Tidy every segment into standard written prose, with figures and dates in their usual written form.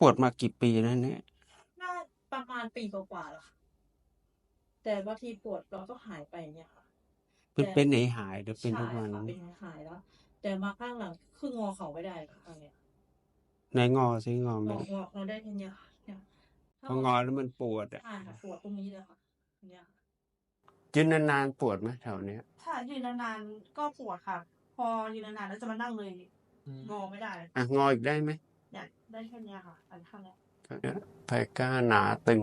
วดมากี่ปีแล้วเนี่ยน่าประมาณปีกว่าๆแล้วค่ะแต่บางทีปวดเราก็หายไปเนี่ยค่ะแต่เป็นหายเดี๋ยวเป็นใช่ทุกวันค่ะเป็นหายแล้วแต่มาข้างหลังคืองอเข่าไม่ได้ค่ะข้างเนี้ยไหนงอซิงองไม่ได้องอได้แค่เนี้ยค่ะเนี่ยถ้าพองอแล้วมันปวดอ่ะใช่ค่ะปวดตรงนี้เลยค่ะเนี่ยค่ะยืนนานๆปวดไหมแถวเนี้ยถ้ายืนนานๆก็ปวดค่ะพอยืนนานๆแล้วจะมานั่งเลยงอไม่ได้อ่ะงออีกได้ไหมเนี่ยได้แค่เนี้ยค่ะอันข้างเนี้ยไผก้าหนาตึง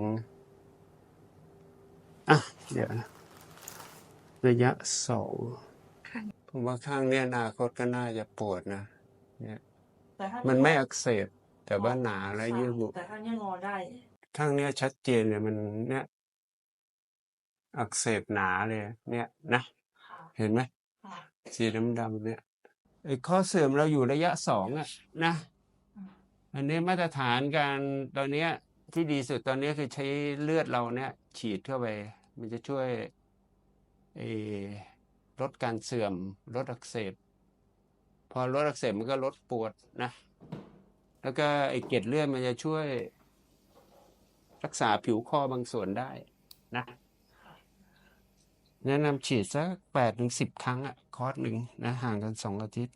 อ่ะเดี๋ยวนะระยะสองผมว่าข้างเนี้ยอนาคตก็น่าจะปวดนะเนี่ยแต่ถ้ามันนี่งอไม่อักเสบแต่ว่าหนาและใช่เยื่อบุแต่ถ้านี่งอได้ข้างเนี้ยชัดเจนเลยมันเนี่ยอักเสบหนาเลยเนี่ยนะค่ะเห็นไหมค่ะสีดำๆเนี่ยไอ้ข้อเสื่อมเราอยู่ระยะสองอ่ะนะอันนี้มาตรฐานการตอนเนี้ยที่ดีสุดตอนนี้คือใช้เลือดเราเนี่ยฉีดเข้าไปมันจะช่วยเออลดการเสื่อมลดอักเสบพอลดอักเสบมันก็ลดปวดนะแล้วก็ไอ้เกล็ดเลือดมันจะช่วยรักษาผิวคอบางส่วนได้นะแนะนำฉีดสัก8 ถึง 10 ครั้งอ่ะคอร์สหนึ่งนะห่างกัน2 อาทิตย์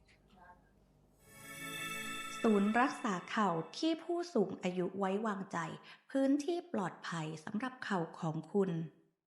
ศูนย์รักษาเข่าที่ผู้สูงอายุไว้วางใจพื้นที่ปลอดภัยสำหรับเข่าของคุณ